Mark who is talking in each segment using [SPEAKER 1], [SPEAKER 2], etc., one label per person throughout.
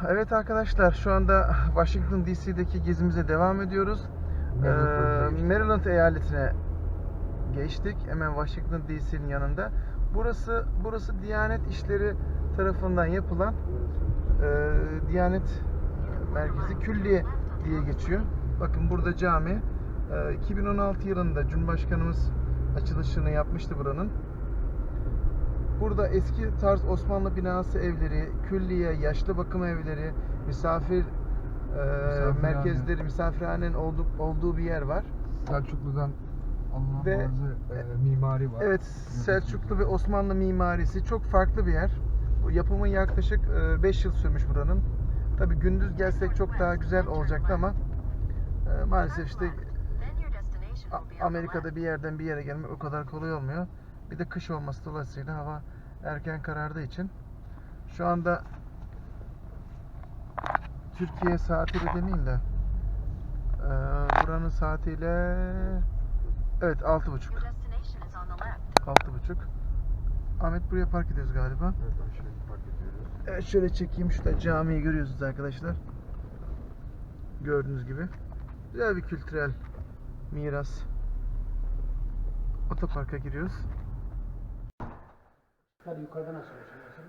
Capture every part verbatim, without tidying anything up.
[SPEAKER 1] Evet arkadaşlar, şu anda Washington D C'deki gezimize devam ediyoruz.
[SPEAKER 2] Maryland'a
[SPEAKER 1] Ee, Maryland eyaletine geçtik. Hemen Washington D C'nin yanında. Burası burası Diyanet İşleri tarafından yapılan e, Diyanet Merkezi Külliye diye geçiyor. Bakın burada cami. E, iki bin on altı yılında Cumhurbaşkanımız açılışını yapmıştı buranın. Burada eski tarz Osmanlı binası evleri, külliye, yaşlı bakım evleri, misafir e, merkezleri, misafirhanenin olduğu, olduğu bir yer var.
[SPEAKER 2] Selçuklu'dan alınan
[SPEAKER 1] Ve-
[SPEAKER 2] bazı e, mimari var.
[SPEAKER 1] Evet, Selçuklu ve Osmanlı mimarisi çok farklı bir yer. Bu yapımı yaklaşık beş yıl sürmüş buranın. Tabii gündüz gelsek çok daha güzel olacaktı ama e, maalesef işte A- Amerika'da bir yerden bir yere gelmek o kadar kolay olmuyor. Bir de kış olması dolayısıyla hava erken karardığı için şu anda Türkiye saatiyle demeyeyim de e, buranın saatiyle evet altı buçuk. Altı buçuk. Ahmet buraya park ediyoruz galiba.
[SPEAKER 2] Evet, aşağıya park ediyoruz.
[SPEAKER 1] Evet, şöyle çekeyim. Şurada camiyi görüyorsunuz arkadaşlar. Gördüğünüz gibi. Güzel bir kültürel miras. Otoparka giriyoruz.
[SPEAKER 3] Yukarıdan açılıyor.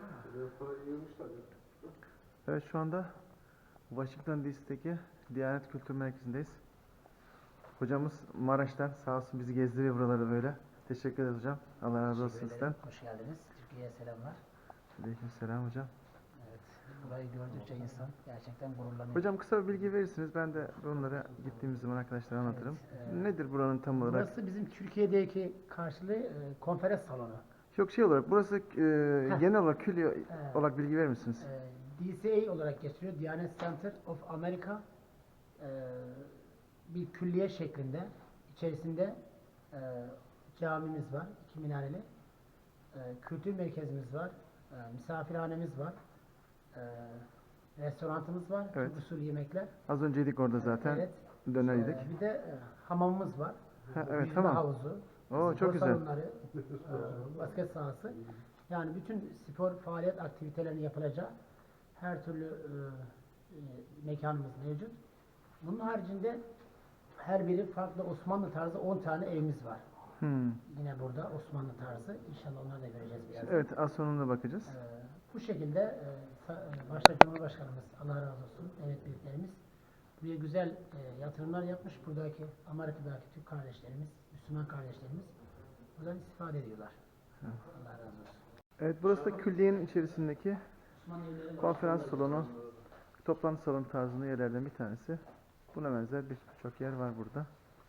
[SPEAKER 1] Evet, şu anda Washington D C'deki Diyanet Kültür Merkezi'ndeyiz. Hocamız Maraş'tan sağ olsun bizi gezdiriyor buraları böyle. Teşekkür ederiz hocam. Allah razı olsun sizden.
[SPEAKER 3] Hoş geldiniz. Türkiye'ye selamlar.
[SPEAKER 1] Aleykümselam hocam.
[SPEAKER 3] Evet. Burayı gördükçe insan gerçekten gururlanıyor.
[SPEAKER 1] Hocam kısa bir bilgi verirsiniz. Ben de bunları gittiğimiz zaman arkadaşlara anlatırım.
[SPEAKER 3] Evet, e,
[SPEAKER 1] Nedir buranın tam olarak?
[SPEAKER 3] Burası bizim Türkiye'deki karşılığı e, konferans salonu.
[SPEAKER 1] Yok şey olarak burası e, genel olarak külliye
[SPEAKER 3] Evet.
[SPEAKER 1] olarak bilgi verir misiniz?
[SPEAKER 3] E, D C A olarak geçiyor. Diyanet Center of America. E, bir külliye şeklinde. İçerisinde e, camimiz var. iki minareli. E, kültür merkezimiz var. E, misafirhanemiz var. E, restoranımız var.
[SPEAKER 1] Evet.
[SPEAKER 3] Türk usulü yemekler.
[SPEAKER 1] Az önceydik orada zaten.
[SPEAKER 3] Evet.
[SPEAKER 1] Döner yedik.
[SPEAKER 3] Ee, bir de e, hamamımız var.
[SPEAKER 1] Ha, evet,
[SPEAKER 3] Yüzme
[SPEAKER 1] tamam.
[SPEAKER 3] havuzu.
[SPEAKER 1] Oo,
[SPEAKER 3] spor
[SPEAKER 1] çok güzel.
[SPEAKER 3] salonları, e, basket sahası. Yani bütün spor faaliyet aktivitelerinin yapılacağı her türlü e, e, mekanımız mevcut. Bunun haricinde her biri farklı Osmanlı tarzı on tane evimiz var.
[SPEAKER 1] Hmm.
[SPEAKER 3] Yine burada Osmanlı tarzı. İnşallah onları da göreceğiz biraz.
[SPEAKER 1] Evet, az sonunda bakacağız.
[SPEAKER 3] Ee, bu şekilde e, sa- e, başta Cumhurbaşkanımız Allah razı olsun, devlet büyüklerimiz buraya güzel e, yatırımlar yapmış. Buradaki Amerika'daki Türk kardeşlerimiz, Müslüman kardeşlerimiz buradan istifade ediyorlar. Allah razı olsun.
[SPEAKER 1] Evet, burası da külliyenin içerisindeki
[SPEAKER 3] Osmanlı evleri var.
[SPEAKER 1] konferans salonu, toplantı salonu tarzında yerlerden bir tanesi. Buna benzer birçok yer var burada.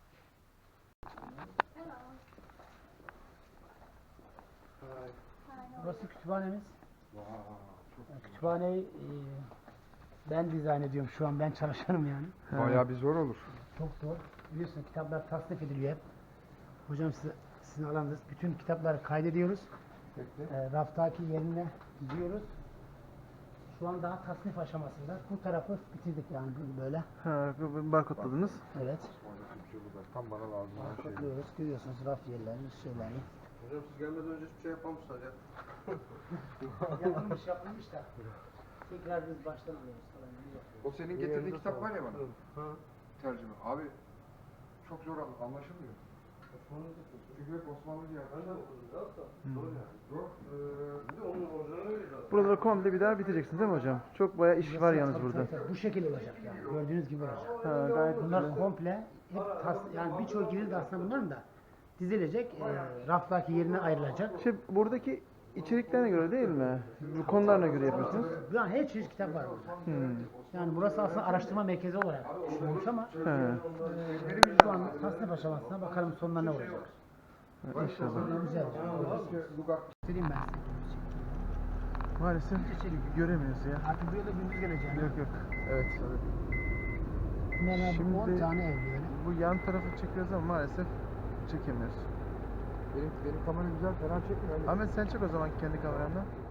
[SPEAKER 3] Burası kütüphanemiz. Yani kütüphaneyi e, ben dizayn ediyorum şu an, ben çalışanım yani.
[SPEAKER 2] Bayağı bir zor olur.
[SPEAKER 3] Çok zor. Biliyorsunuz kitaplar tasnif ediliyor hep. Hocam size, sizin alanınız. Bütün kitapları kaydediyoruz. E, raftaki yerine gidiyoruz. Şu an daha tasnif aşamasında. Bu tarafı bitirdik yani böyle.
[SPEAKER 1] Ha, bu- bu barkodladınız.
[SPEAKER 3] Evet.
[SPEAKER 2] Tam bana lazım olan şey.
[SPEAKER 3] Bakıyoruz. Görüyorsunuz raf yerlerini, şeylerini.
[SPEAKER 4] Hocam siz gelmeden önce hiçbir şey yapmamışlar ya.
[SPEAKER 3] Yapılmış yapılmış da. Tekrar biz baştan alıyoruz falan.
[SPEAKER 2] O senin getirdiğin kitap var ya bana. Tercüme. Abi çok zor an- anlaşılmıyor. Çünkü hep Osmanlı diye yazıyor. Zor yani. Zor. Ee,
[SPEAKER 1] Buraları komple bir daha biteceksiniz değil mi hocam? Çok bayağı iş var yalnız
[SPEAKER 3] Tabii,
[SPEAKER 1] burada.
[SPEAKER 3] tabii, tabii. Bu şekilde olacak yani. Gördüğünüz gibi olacak.
[SPEAKER 1] Ha, gayet
[SPEAKER 3] Bunlar
[SPEAKER 1] güzel.
[SPEAKER 3] komple hep tas, yani birçok yeri de aslında bunların da dizilecek, e, raftaki yerine ayrılacak.
[SPEAKER 1] Şey, buradaki içeriklerine göre değil mi? Bu konularına göre yapıyorsunuz.
[SPEAKER 3] Yani her çeşit kitap var burada.
[SPEAKER 1] Hmm.
[SPEAKER 3] Yani burası aslında araştırma merkezi olarak düşünülmüş ama
[SPEAKER 1] He,
[SPEAKER 3] e, şu an tasnif aşamasına bakalım sonunda ne olacak.
[SPEAKER 1] inşallah.
[SPEAKER 3] Güzel. Söyleyeyim ben size.
[SPEAKER 1] Maalesef göremiyoruz ya.
[SPEAKER 3] Artık buraya da gündüz geleceğim.
[SPEAKER 1] Yok yok. Evet.
[SPEAKER 3] Hemen
[SPEAKER 1] Şimdi-
[SPEAKER 3] on tane ev böyle.
[SPEAKER 1] Bu yan tarafı çekiyoruz ama maalesef çekemiyoruz.
[SPEAKER 2] benim, benim kamera güzel, fena çekmiyor.
[SPEAKER 1] Ahmet sen çek o zaman kendi kameranla.